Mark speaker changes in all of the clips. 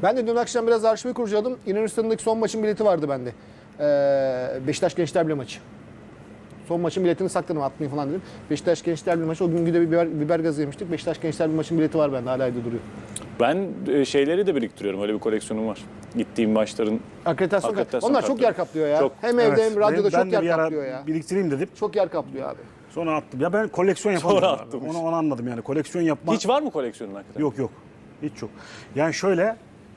Speaker 1: Ben de dün akşam biraz arşivi kurcaladım. Yunanistan'daki son maçın bileti vardı bende. Beşiktaş Gençler Birliği maçı. Son maçın biletini sakladım, atmayayım falan dedim. Beşiktaş Gençler Birliği maçı. O gün de biber gazı yemiştik. Beşiktaş Gençler Birliği maçın bileti var bende. Hala evde duruyor.
Speaker 2: Ben şeyleri de biriktiriyorum. Öyle bir koleksiyonum var. Gittiğim maçların
Speaker 1: Akreditasyon
Speaker 2: Akreditasyon
Speaker 1: Onlar
Speaker 2: kartları.
Speaker 1: çok yer kaplıyor ya.
Speaker 2: Çok.
Speaker 1: Hem evde hem radyoda
Speaker 3: Ben
Speaker 1: çok
Speaker 3: de
Speaker 1: yer
Speaker 3: bir ara
Speaker 1: kaplıyor ya.
Speaker 3: biriktireyim dedim.
Speaker 1: Çok yer kaplıyor abi.
Speaker 3: Sonra attım. Ya ben koleksiyon yapamıyorum
Speaker 2: Sonra
Speaker 3: abi.
Speaker 2: attım.
Speaker 3: Onu anladım yani. Koleksiyon yapma.
Speaker 2: hiç var mı koleksiyonun hakikaten?
Speaker 3: Yok. Hiç yok. Yani şöyle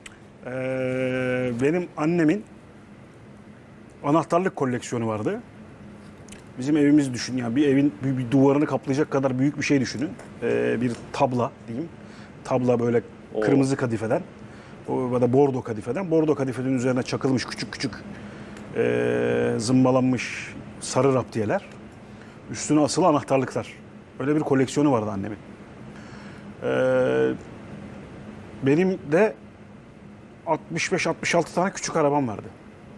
Speaker 3: benim annemin anahtarlık koleksiyonu vardı. Bizim evimizi düşün. Yani bir evin bir duvarını kaplayacak kadar büyük bir şey düşünün. Bir tabla diyeyim. Tabla böyle kırmızı kadifeden. Ya da bordo kadifeden. Bordo kadifenin üzerine çakılmış küçük küçük zımbalanmış sarı raptiyeler. Üstüne asılı anahtarlıklar. Öyle bir koleksiyonu vardı annemin. Benim de 65-66 tane küçük arabam vardı.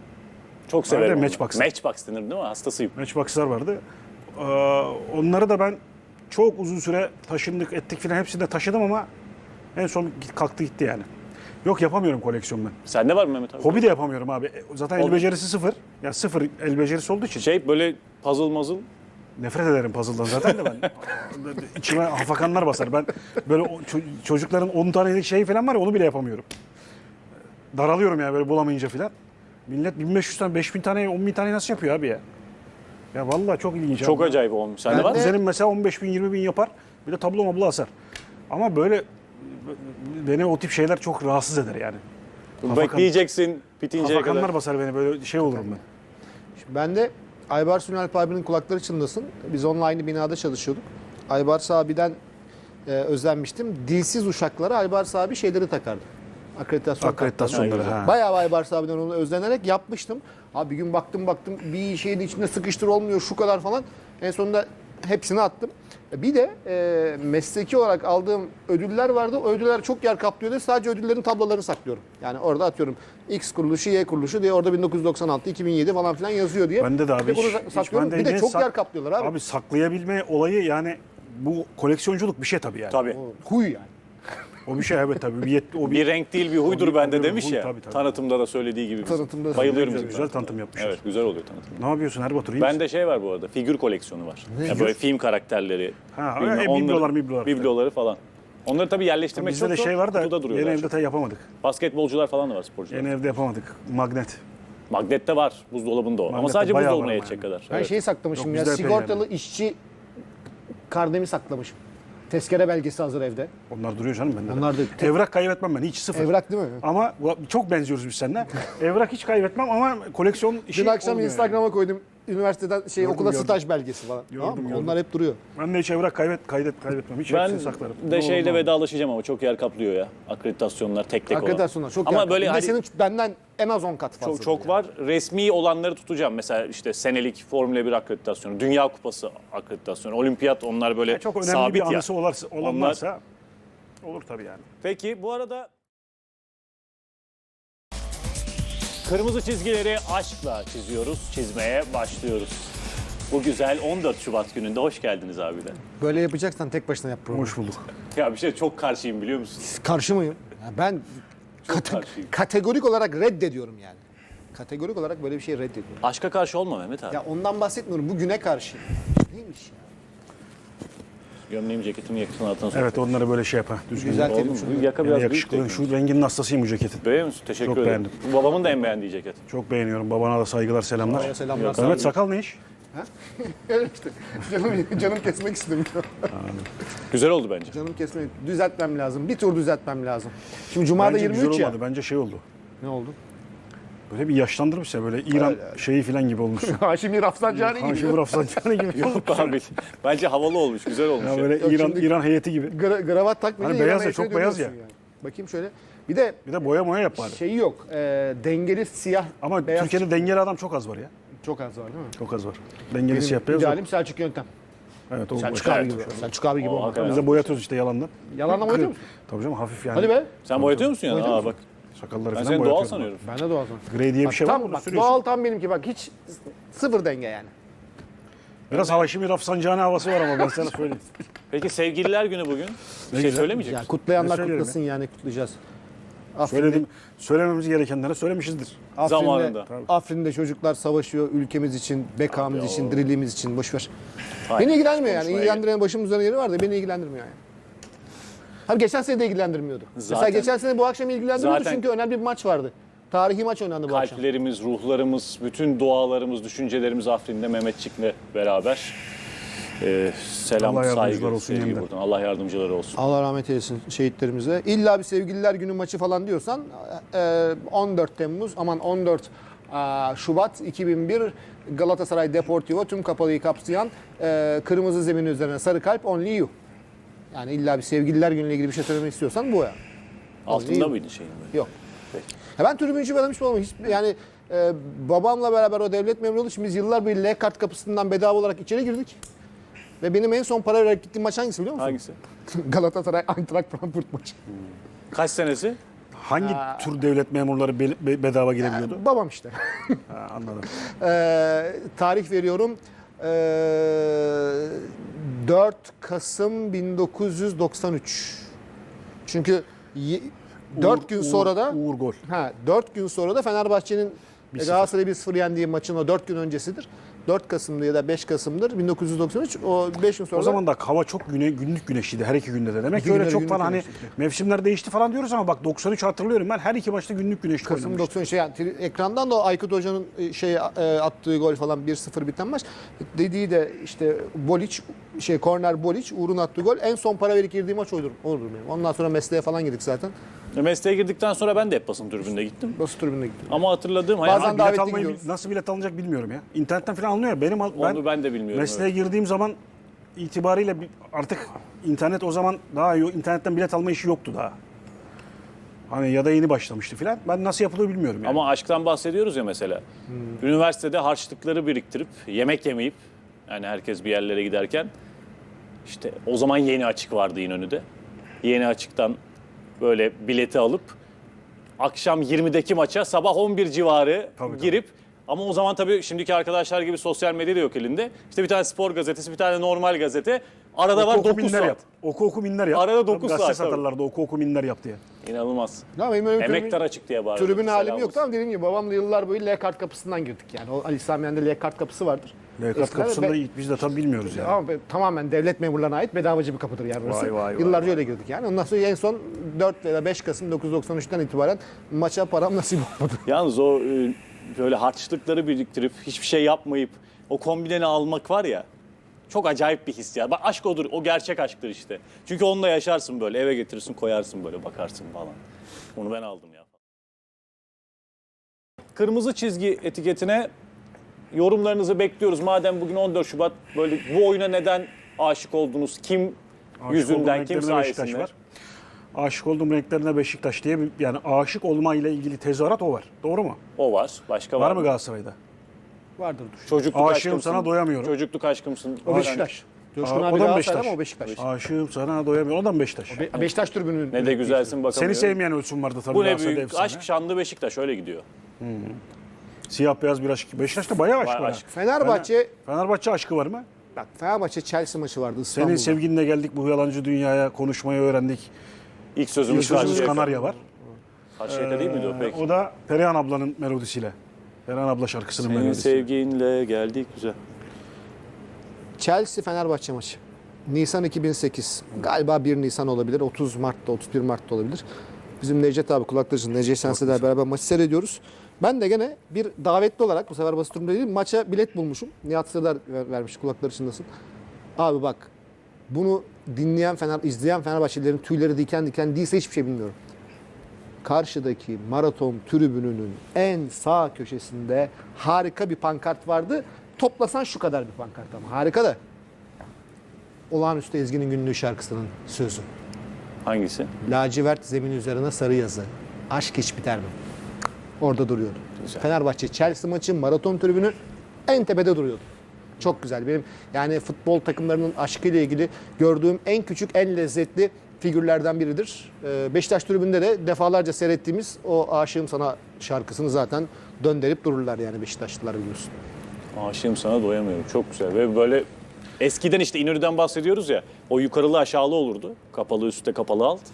Speaker 2: Çok severim.
Speaker 3: Öyle
Speaker 2: onu.
Speaker 3: Matchbox.
Speaker 2: Matchbox denir değil mi? Hastasıyım.
Speaker 3: Matchbox'lar vardı. Onları da ben çok uzun süre taşındık, ettik filan hepsini de taşıdım ama en son kalktı gitti yani. Yok yapamıyorum koleksiyon ben.
Speaker 2: Sende var mı Mehmet abi?
Speaker 3: Hobi de yapamıyorum abi. Zaten el
Speaker 2: Hobi.
Speaker 3: becerisi sıfır. Ya sıfır el becerisi olduğu için.
Speaker 2: Şey böyle puzzle muzzle.
Speaker 3: Nefret ederim puzzle'dan zaten de ben. İçime hafakanlar basar. Ben böyle çocukların 10 tanelik şey falan var ya onu bile yapamıyorum. Daralıyorum yani böyle bulamayınca filan. Millet 1500 tane, 5000 tane, 10.000 tane nasıl yapıyor abi ya? Ya vallahi çok ilginç.
Speaker 2: Çok
Speaker 3: abi.
Speaker 2: acayip olmuş. Sende
Speaker 1: Ben
Speaker 2: var mı?
Speaker 1: de-
Speaker 3: Kuzenim mesela 15 bin, 20 bin yapar. Bir de tablo mablo asar. Ama böyle beni o tip şeyler çok rahatsız eder yani.
Speaker 2: Bekleyeceksin bitinceye
Speaker 3: Hafakanlar
Speaker 2: kadar.
Speaker 3: basar beni böyle şey olurum ben.
Speaker 1: Ben de Aybars Ünalp abinin kulakları çınlasın. Biz onunla aynı binada çalışıyorduk. Aybars abiden özenmiştim. Dilsiz uşaklara Aybars abi şeyleri takardı.
Speaker 3: Akreditasyonları.
Speaker 1: kartları.
Speaker 3: Ha.
Speaker 1: Bayağı Aybars abiden onu özlenerek yapmıştım. Abi bir gün baktım bir şeyin içinde sıkıştır olmuyor şu kadar falan. En sonunda hepsini attım. Bir de mesleki olarak aldığım ödüller vardı. O ödüller çok yer kaplıyordu. Sadece ödüllerin tablolarını saklıyorum. Yani orada atıyorum X kuruluşu, Y kuruluşu diye orada 1996, 2007 falan filan yazıyor diye.
Speaker 3: Bende de abi.
Speaker 1: Bir de bunu
Speaker 3: hiç
Speaker 1: saklıyorum.
Speaker 3: bende
Speaker 1: Bir de
Speaker 3: ne
Speaker 1: çok yer kaplıyorlar abi.
Speaker 3: Abi saklayabilme olayı yani bu koleksiyonculuk bir şey tabii yani.
Speaker 2: Tabii.
Speaker 1: Huy yani.
Speaker 3: O bir şey evet tabii. O
Speaker 2: Bir renk değil bir huydur
Speaker 3: Tabii,
Speaker 2: bende
Speaker 3: tabii,
Speaker 2: demiş
Speaker 3: huy,
Speaker 2: ya.
Speaker 3: tabii, tabii.
Speaker 2: Tanıtımda da söylediği gibi.
Speaker 1: Tanıtımda da
Speaker 2: Bayılıyorum
Speaker 3: güzel,
Speaker 2: bizim
Speaker 3: güzel tanıtım yapmışız.
Speaker 2: Evet güzel oluyor tanıtım.
Speaker 3: Ne yapıyorsun Erbatur? İyi
Speaker 2: Bende şey var bu arada. Figür koleksiyonu var. Ya böyle film karakterleri.
Speaker 3: Ha,
Speaker 2: bilmem,
Speaker 3: biblolar.
Speaker 2: Bibloları falan. Onlar tabii yerleştirmek
Speaker 3: Bizde
Speaker 2: çok
Speaker 3: de
Speaker 2: zor.
Speaker 3: şey var da
Speaker 2: Kutuda duruyorlar.
Speaker 3: yeni evde yapamadık.
Speaker 2: Basketbolcular falan da var, sporcular.
Speaker 3: Yeni evde yapamadık. Magnet.
Speaker 2: Magnette var. Buzdolabında o. Ama
Speaker 3: Magnette
Speaker 2: sadece
Speaker 3: bayağı
Speaker 2: buzdolabına
Speaker 3: var
Speaker 2: yetecek
Speaker 3: yani.
Speaker 2: kadar.
Speaker 1: Ben
Speaker 2: Evet.
Speaker 1: şeyi saklamışım
Speaker 3: Yok,
Speaker 1: ya.
Speaker 3: bizde epey
Speaker 1: Sigortalı
Speaker 3: yani.
Speaker 1: işçi karnemi saklamışım. Tezkere belgesi hazır evde.
Speaker 3: Onlar duruyor canım bende. de.
Speaker 1: Onlar da
Speaker 3: Evrak kaybetmem ben hiç sıfır.
Speaker 1: evrak değil mi?
Speaker 3: Ama çok benziyoruz biz seninle. Evrak hiç kaybetmem ama koleksiyon işi
Speaker 1: Dün akşam
Speaker 3: olmuyor
Speaker 1: Instagram'a koydum. Üniversiteden okula
Speaker 3: gördüm.
Speaker 1: staj belgesi falan. Tamam mı?
Speaker 3: gördüm.
Speaker 1: Onlar hep duruyor.
Speaker 3: yani. Ben de hiç evrak kaybetmem. Hiç
Speaker 2: Ben
Speaker 3: hepsini saklarım.
Speaker 2: de şeyle
Speaker 3: Normal.
Speaker 2: vedalaşacağım ama çok yer kaplıyor ya. Akreditasyonlar tek olan.
Speaker 1: Akreditasyonlar çok
Speaker 2: Ama
Speaker 1: yer
Speaker 2: böyle
Speaker 1: kaplıyor. Bir de
Speaker 2: hani
Speaker 1: senin benden en az 10 kat fazla.
Speaker 2: çok çok var. Resmi olanları tutacağım. Mesela işte senelik Formula 1 akreditasyonu, Dünya Kupası akreditasyonu, Olimpiyat onlar böyle
Speaker 3: Çok önemli
Speaker 2: sabit
Speaker 3: bir
Speaker 2: ya.
Speaker 3: anısı olan varsa olur tabii yani.
Speaker 2: Peki bu arada kırmızı çizgileri aşkla çiziyoruz, çizmeye başlıyoruz. Bu güzel 14 Şubat gününde hoş geldiniz abiler.
Speaker 1: Böyle yapacaksan tek başına yap programı.
Speaker 3: Hoş bulduk.
Speaker 2: Ya bir şey çok karşıyım biliyor musun?
Speaker 1: Karşı mıyım? Ya ben
Speaker 2: karşıyım.
Speaker 1: kategorik olarak reddediyorum yani. Kategorik olarak böyle bir şey reddediyorum.
Speaker 2: Aşka karşı olma Mehmet abi.
Speaker 1: Ya ondan bahsetmiyorum. Bugüne karşı. Neymiş ya?
Speaker 2: Gömleğim ceketimi yakasına altına sok.
Speaker 3: Evet onları böyle şey yapar. Düzgün.
Speaker 1: Güzel
Speaker 2: Oldu
Speaker 1: terim
Speaker 2: mu?
Speaker 1: şunu.
Speaker 2: Yaka
Speaker 3: Yani
Speaker 2: biraz büyük
Speaker 3: yakışıklı.
Speaker 2: değil mi?
Speaker 3: Şu renginin hastasıyım bu ceketin.
Speaker 2: Beğeniyor musun? Teşekkür
Speaker 3: Çok
Speaker 2: ederim.
Speaker 3: beğendim.
Speaker 2: Bu babamın da en beğendiği ceket.
Speaker 3: Çok beğeniyorum. Babana da saygılar, selamlar.
Speaker 1: Babaya selamlar.
Speaker 3: Evet sakal ne iş?
Speaker 1: Evet işte. Canım kesmek istemiyor.
Speaker 2: Güzel oldu bence.
Speaker 1: Canım kesmek. Düzeltmem lazım. Bir tur düzeltmem lazım. Şimdi Cuma'da
Speaker 3: Bence
Speaker 1: 23
Speaker 3: güzel
Speaker 1: ya.
Speaker 3: olmadı. Bence şey oldu.
Speaker 1: Ne oldu?
Speaker 3: Böyle bir yaşlandırmış ya böyle İran şeyi falan gibi olmuş.
Speaker 1: Haşimi Rafsanjani gibi.
Speaker 3: Haşim Rafsanjani gibi.
Speaker 2: Yok abi. Bence havalı olmuş, güzel olmuş.
Speaker 3: Ya
Speaker 2: ya.
Speaker 3: böyle
Speaker 1: Yok,
Speaker 3: İran
Speaker 1: şimdi-
Speaker 3: İran heyeti gibi.
Speaker 1: Gravat takmayınca
Speaker 3: Hani beyaz
Speaker 1: İran'a
Speaker 3: ya, çok
Speaker 1: yakına
Speaker 3: beyaz
Speaker 1: dönüyorsun
Speaker 3: ya.
Speaker 1: yani. Bakayım şöyle. Bir de
Speaker 3: Bir de boya yap bari.
Speaker 1: şeyi yok. Dengeli siyah
Speaker 3: Ama
Speaker 1: beyaz
Speaker 3: Türkiye'de dengeli adam çok az var ya.
Speaker 1: çok az var değil mi?
Speaker 3: Çok az var. Dengeli siyah
Speaker 1: Benim
Speaker 3: beyaz yok.
Speaker 1: idealim Selçuk Yöntem.
Speaker 3: Evet o
Speaker 1: Selçuk
Speaker 3: boş.
Speaker 1: abi gibi. Selçuk abi gibi
Speaker 2: O
Speaker 1: olmak.
Speaker 2: hakikaten.
Speaker 3: Biz de boyatıyoruz işte yalandan.
Speaker 1: Yalanla boyatıyor musun?
Speaker 3: Tabii canım hafif yani.
Speaker 1: Hadi be.
Speaker 2: Sen boyatıyor musun ya?
Speaker 1: Boyatıyor
Speaker 2: Aa bak.
Speaker 3: Sakalları
Speaker 2: Ben
Speaker 3: falan
Speaker 2: seni doğal
Speaker 3: boyatıyoruz.
Speaker 2: sanıyorum.
Speaker 1: Ben de doğal sonra.
Speaker 3: Grey diye bir
Speaker 1: Bak,
Speaker 3: şey var
Speaker 1: tam
Speaker 3: mı?
Speaker 1: bak
Speaker 3: Sürüyorsun.
Speaker 1: doğal tam benimki bak hiç sıfır denge yani.
Speaker 3: Biraz Haşimi Rafsanjani havası var ama ben sana söyleyeyim.
Speaker 2: Peki sevgililer günü bugün. Bir şey
Speaker 3: güzel.
Speaker 2: söylemeyecek
Speaker 1: Ya
Speaker 2: misin?
Speaker 1: kutlayanlar
Speaker 3: Ne söylerim
Speaker 1: kutlasın yani kutlayacağız.
Speaker 3: Söylememiz gerekenlere söylemişizdir.
Speaker 2: Zamanında.
Speaker 1: Afrin'de çocuklar savaşıyor ülkemiz için, bekamız
Speaker 2: Abi
Speaker 1: için,
Speaker 2: o-
Speaker 1: diriliğimiz için. Boş ver.
Speaker 2: Aynen.
Speaker 1: Beni ilgilenmiyor yani.
Speaker 2: Konuşmaya
Speaker 1: İlgilendiren başımın üzerine yeri var da beni ilgilendirmiyor yani. Abi geçen sene de ilgilendirmiyordu. Mesela
Speaker 2: Zaten-
Speaker 1: geçen sene bu akşam ilgilendiriyordu
Speaker 2: Zaten-
Speaker 1: çünkü önemli bir maç vardı. Tarihi maç oynandı bu akşam.
Speaker 2: Kalplerimiz, ruhlarımız, bütün dualarımız, düşüncelerimiz Afrin'de Mehmetçik'le beraber. Selam,
Speaker 3: Allah yardımcılar
Speaker 2: saygı,
Speaker 3: olsun
Speaker 2: sevgi
Speaker 3: yeniden.
Speaker 2: buradan. Allah yardımcıları olsun.
Speaker 1: Allah rahmet eylesin şehitlerimize. İlla bir sevgililer günü maçı falan diyorsan 14 Temmuz aman 14 Şubat 2001 Galatasaray Deportivo tüm kapalıyı kapsayan kırmızı zemin üzerine sarı kalp only you. Yani illa bir sevgililer günüyle ilgili bir şey söylemek istiyorsan bu ya.
Speaker 2: Altında
Speaker 1: Only
Speaker 2: mıydı şeyin?
Speaker 1: Yok.
Speaker 2: Peki.
Speaker 1: Ya ben tribüncü bir adam hiç olmam. Yani babamla beraber o devlet memuru olduğu için biz yıllar boyu L kart kapısından bedava olarak içeri girdik. Ve benim en son para vererek gittiğim maç hangisi biliyor musun?
Speaker 2: Hangisi?
Speaker 1: Galatasaray Eintracht Frankfurt maçı.
Speaker 2: Kaç senesi?
Speaker 3: Hangi tür devlet memurları bedava girebiliyordu?
Speaker 1: Babam işte.
Speaker 3: Ha, anladım.
Speaker 1: Tarih veriyorum. 4 Kasım 1993. Çünkü 4 gün sonra da
Speaker 3: Uğur gol.
Speaker 1: 4 gün sonra da Fenerbahçe'nin Galatasaray'ı 1-0 yendiği maçın o 4 gün öncesidir. 4 Kasım'dı ya da 5 Kasım'dır 1993. O 5 gün sonra
Speaker 3: O zaman da hava çok günlük güneşliydi her iki günde de. Demek ki
Speaker 1: İki
Speaker 3: öyle
Speaker 1: günde
Speaker 3: çok
Speaker 1: günlük
Speaker 3: falan hani
Speaker 1: güneşliydi.
Speaker 3: mevsimler değişti falan diyoruz ama bak 93 hatırlıyorum ben her iki maçta günlük güneşli
Speaker 1: Kasım
Speaker 3: oynamıştı.
Speaker 1: 93 yani ekrandan da Aykut Hoca'nın attığı gol falan 1-0 biten maç. Dediği de işte korner Boliç Uğur'un attığı gol en son para verip girdiği maç odur benim. Ondan sonra mesleğe falan girdik zaten.
Speaker 2: Mesleğe girdikten sonra ben de hep basın tribünde gittim.
Speaker 1: Basın tribününe gittim.
Speaker 2: Ama hatırladığım
Speaker 1: Bazen
Speaker 2: hayal,
Speaker 3: Bilet
Speaker 1: davetli
Speaker 3: almayı
Speaker 1: gidiyoruz.
Speaker 3: nasıl bilet alınacak bilmiyorum ya. İnternetten falan alınıyor ya.
Speaker 2: onu ben de bilmiyorum.
Speaker 3: mesleğe girdiğim zaman itibariyle artık internet o zaman daha iyi. İnternetten bilet alma işi yoktu daha. Hani ya da yeni başlamıştı falan. Ben nasıl yapılıyor bilmiyorum yani.
Speaker 2: Ama aşktan bahsediyoruz ya mesela. Üniversitede harçlıkları biriktirip yemek yemeyip yani herkes bir yerlere giderken işte o zaman Yeni Açık vardı İnönü'de. Yeni Açık'tan böyle bileti alıp akşam 20'deki maça sabah 11 civarı
Speaker 3: Tabii.
Speaker 2: girip ama o zaman tabii şimdiki arkadaşlar gibi sosyal medya da yok elinde. İşte bir tane spor gazetesi, bir tane normal gazete. Arada var 9
Speaker 3: minler
Speaker 2: saat.
Speaker 3: yap. Oku minler yap.
Speaker 2: Arada 9
Speaker 3: Gazete
Speaker 2: saat, tabii.
Speaker 3: satarlardı oku minler yap diye.
Speaker 2: İnanılmaz.
Speaker 1: Ya benim öyle
Speaker 2: Emektar Açık diye bağırıyor.
Speaker 1: tribün halim
Speaker 2: Selam
Speaker 1: yok
Speaker 2: olsun.
Speaker 1: ama dediğim gibi babamla yıllar boyu L kart kapısından girdik yani. O Ali Sami Yen'de L kart kapısı vardır.
Speaker 3: Lekat
Speaker 1: Eskiden
Speaker 3: kapısında
Speaker 1: be-
Speaker 3: biz de tabii bilmiyoruz yani.
Speaker 1: Ama tamamen devlet memurlarına ait bedavacı bir kapıdır yani orası.
Speaker 3: Vay.
Speaker 1: Yıllarca öyle girdik yani. Ondan sonra en son 4 veya 5 Kasım 1993'ten itibaren maça param nasip olmadı.
Speaker 2: Yalnız o böyle harçlıkları biriktirip hiçbir şey yapmayıp o kombineni almak var ya çok acayip bir his ya. Bak aşk odur, o gerçek aşktır işte. Çünkü onunla yaşarsın böyle, eve getirirsin, koyarsın böyle, bakarsın falan. Onu ben aldım ya. Kırmızı çizgi etiketine yorumlarınızı bekliyoruz. Madem bugün 14 Şubat böyle bu oyuna neden aşık oldunuz? Kim
Speaker 3: Aşık olduğum
Speaker 2: yüzünden, kim
Speaker 3: renklerine Beşiktaş
Speaker 2: sayesinde?
Speaker 3: var. Aşık olduğum renklerine Beşiktaş diye yani aşık olma ile ilgili tezahürat o var. Doğru mu?
Speaker 2: O var. Başka
Speaker 3: Var mı Galatasaray'da?
Speaker 1: Vardır dur.
Speaker 2: Çocukluk
Speaker 3: Aşığım
Speaker 2: aşkımsın.
Speaker 3: sana doyamıyorum.
Speaker 2: Çocukluk aşkımsın.
Speaker 1: O Beşiktaş. Coşkun
Speaker 3: o
Speaker 1: abi
Speaker 3: da
Speaker 1: Galatasaray
Speaker 3: Beşiktaş.
Speaker 1: ama o Beşiktaş.
Speaker 3: Aşığım sana doyamıyorum. O da mı Beşiktaş?
Speaker 1: Beşiktaş tribünün.
Speaker 2: Ne de güzelsin bakamıyorum.
Speaker 3: Seni sevmeyen ölçüm vardı tabii
Speaker 2: Bu ne
Speaker 3: Galatasaray'da
Speaker 2: büyük
Speaker 3: efsane.
Speaker 2: aşk, şanlı Beşiktaş öyle gidiyor.
Speaker 3: Siyah beyaz bir aşk. Beşiktaş'ta bayağı aşk
Speaker 2: Bayağı
Speaker 3: var.
Speaker 2: aşk.
Speaker 3: Fenerbahçe aşkı var mı?
Speaker 1: Bak Fenerbahçe Chelsea maçı vardı İstanbul'da.
Speaker 3: Senin sevginle geldik bu yalancı dünyaya konuşmayı öğrendik.
Speaker 2: İlk sözümüz
Speaker 3: Sözümüz
Speaker 2: Karşıyaka.
Speaker 3: Kanarya var.
Speaker 2: Karşıyaka değil miydi o peki?
Speaker 3: O da Perihan ablanın melodisiyle. Perihan abla şarkısının
Speaker 2: Senin
Speaker 3: melodisi.
Speaker 2: sevginle geldik güzel.
Speaker 1: Chelsea Fenerbahçe maçı. Nisan 2008. Galiba 1 Nisan olabilir. 30 Mart'ta, 31 Mart'ta olabilir. Bizim Necdet abi kulaklarımızın Necdet Şens'le beraber maçı seyrediyoruz. Ben de gene bir davetli olarak bu sefer basit durumda değil maça bilet bulmuşum. Nihat Sırdar vermiş kulakları çınlasın. Abi bak bunu dinleyen izleyen Fenerbahçelilerin tüyleri diken diken değilse hiçbir şey bilmiyorum. Karşıdaki maraton tribününün en sağ köşesinde harika bir pankart vardı. Toplasan şu kadar bir pankart ama harika da. Olağanüstü Ezgi'nin Günlüğü şarkısının sözü.
Speaker 2: Hangisi?
Speaker 1: Lacivert zemin üzerine sarı yazı. Aşk hiç biter mi? Orada duruyordu.
Speaker 2: Güzel.
Speaker 1: Fenerbahçe Chelsea maçı maraton tribünü en tepede duruyordu. Çok güzel. Benim yani futbol takımlarının aşkıyla ilgili gördüğüm en küçük, en lezzetli figürlerden biridir. Beşiktaş tribünde de defalarca seyrettiğimiz o Aşığım Sana şarkısını zaten döndürüp dururlar yani Beşiktaşlılar biliyorsun.
Speaker 2: Aşığım sana doyamıyorum. Çok güzel ve böyle eskiden işte İnönü'den bahsediyoruz ya. O yukarılı aşağılı olurdu. Kapalı üstte kapalı alt.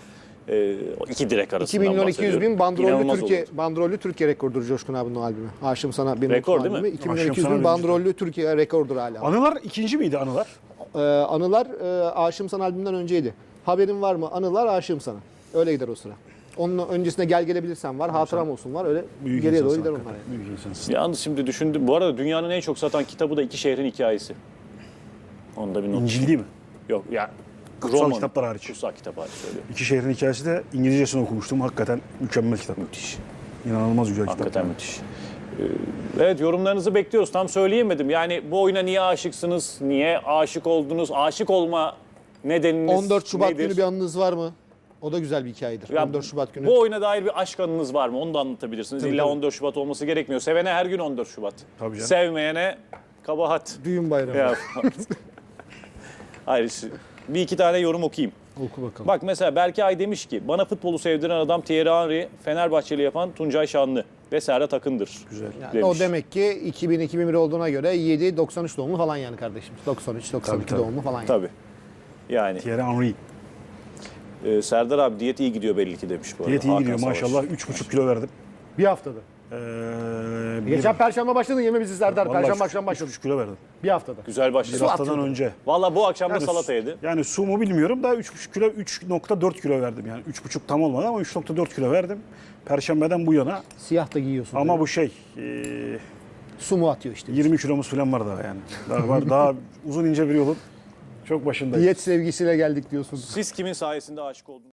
Speaker 2: O 2 direk
Speaker 1: 2
Speaker 2: arasından
Speaker 1: milyon 200 bin
Speaker 2: İnanılmaz olurdu.
Speaker 1: bandrollü Türkiye rekordur Coşkun abinin o albümü. Aşığım sana bir
Speaker 2: Rekor
Speaker 1: Mutlu
Speaker 2: değil mi?
Speaker 1: albümü. 2 milyon
Speaker 3: Aşığım
Speaker 1: 200
Speaker 3: sana
Speaker 1: bin
Speaker 3: bir
Speaker 1: bandrollü Türkiye rekordur hala.
Speaker 3: Anılar ikinci miydi Anılar?
Speaker 1: Anılar Aşığım Sana albümünden önceydi. Haberin var mı? Anılar Aşığım Sana. Öyle gider o sıra. Onun öncesinde Gel Gelebilirsen var, Hatıram Olsun var. Öyle
Speaker 3: Büyük
Speaker 1: geriye doğru
Speaker 3: insansın
Speaker 1: gider
Speaker 3: hakikaten,
Speaker 1: onlar. Yani.
Speaker 3: Büyük insansın.
Speaker 2: Yalnız şimdi düşündüm. Bu arada dünyanın en çok satan kitabı da İki Şehrin Hikayesi. Onda bir not.
Speaker 3: İncil değil mi?
Speaker 2: Yok ya.
Speaker 3: Kutsal kitaplar hariç.
Speaker 2: Kutsal kitap hariç söylüyorum.
Speaker 3: İki Şehrin Hikayesi de İngilizcesini okumuştum. Hakikaten mükemmel kitap.
Speaker 2: Müthiş.
Speaker 3: İnanılmaz güzel kitap.
Speaker 2: Hakikaten müthiş. Evet, yorumlarınızı bekliyoruz. Tam söyleyemedim. Yani bu oyuna niye aşıksınız? Niye aşık oldunuz? Aşık olma nedeniniz
Speaker 1: 14 Şubat
Speaker 2: nedir?
Speaker 1: günü bir anınız var mı? O da güzel bir hikayedir.
Speaker 2: Ya
Speaker 1: 14 Şubat günü.
Speaker 2: Bu oyuna dair bir aşk anınız var mı? Onu da anlatabilirsiniz.
Speaker 1: Tabii,
Speaker 2: İlla
Speaker 1: tabii.
Speaker 2: 14 Şubat olması gerekmiyor. Sevene her gün 14 Şubat.
Speaker 3: Tabii canım.
Speaker 2: Sevmeyene kabahat.
Speaker 1: Düğün bayramı.
Speaker 2: Ya. Hayır, bir iki tane yorum okuyayım.
Speaker 1: Oku bakalım.
Speaker 2: Bak mesela Berkay demiş ki bana futbolu sevdiren adam Thierry Henry, Fenerbahçeli yapan Tuncay Şanlı ve Serhat Akın'dır.
Speaker 3: Güzel.
Speaker 1: Yani
Speaker 2: demiş.
Speaker 1: o demek ki 2000-2001 olduğuna göre 7-93 doğumlu falan yani kardeşim. 93-92
Speaker 3: Tabii, tabii.
Speaker 1: doğumlu falan yani.
Speaker 2: Tabii. Yani
Speaker 3: Thierry Henry.
Speaker 2: Serdar abi diyet iyi gidiyor belli ki demiş bu arada.
Speaker 3: Diyet iyi
Speaker 2: Hakan
Speaker 3: gidiyor
Speaker 2: Savaş.
Speaker 3: maşallah. 3,5 kilo verdim.
Speaker 1: Bir haftada. Geçen Perşembe başladın yeme bizi Serdar. Perşembe akşam başladı.
Speaker 3: 3,5 kilo verdim.
Speaker 1: Bir haftada.
Speaker 2: Güzel
Speaker 3: Bir
Speaker 2: başladı.
Speaker 3: haftadan
Speaker 1: atıyordum.
Speaker 3: önce.
Speaker 2: Valla bu akşam da
Speaker 3: Yani
Speaker 2: salata yedi.
Speaker 3: Yani su mu bilmiyorum da 3,5 kilo 3,4 kilo verdim yani. 3,5 tam olmadı ama 3,4 kilo verdim. Perşembeden bu yana.
Speaker 1: Siyah da giyiyorsun.
Speaker 3: Ama
Speaker 1: tabii.
Speaker 3: bu şey
Speaker 1: Su mu atıyor işte.
Speaker 3: 20 kilomuz falan var daha yani. Daha var. Daha uzun ince bir yolun çok başındayız.
Speaker 1: Diyet sevgisiyle geldik diyorsun.
Speaker 2: Siz kimin sayesinde aşık oldunuz?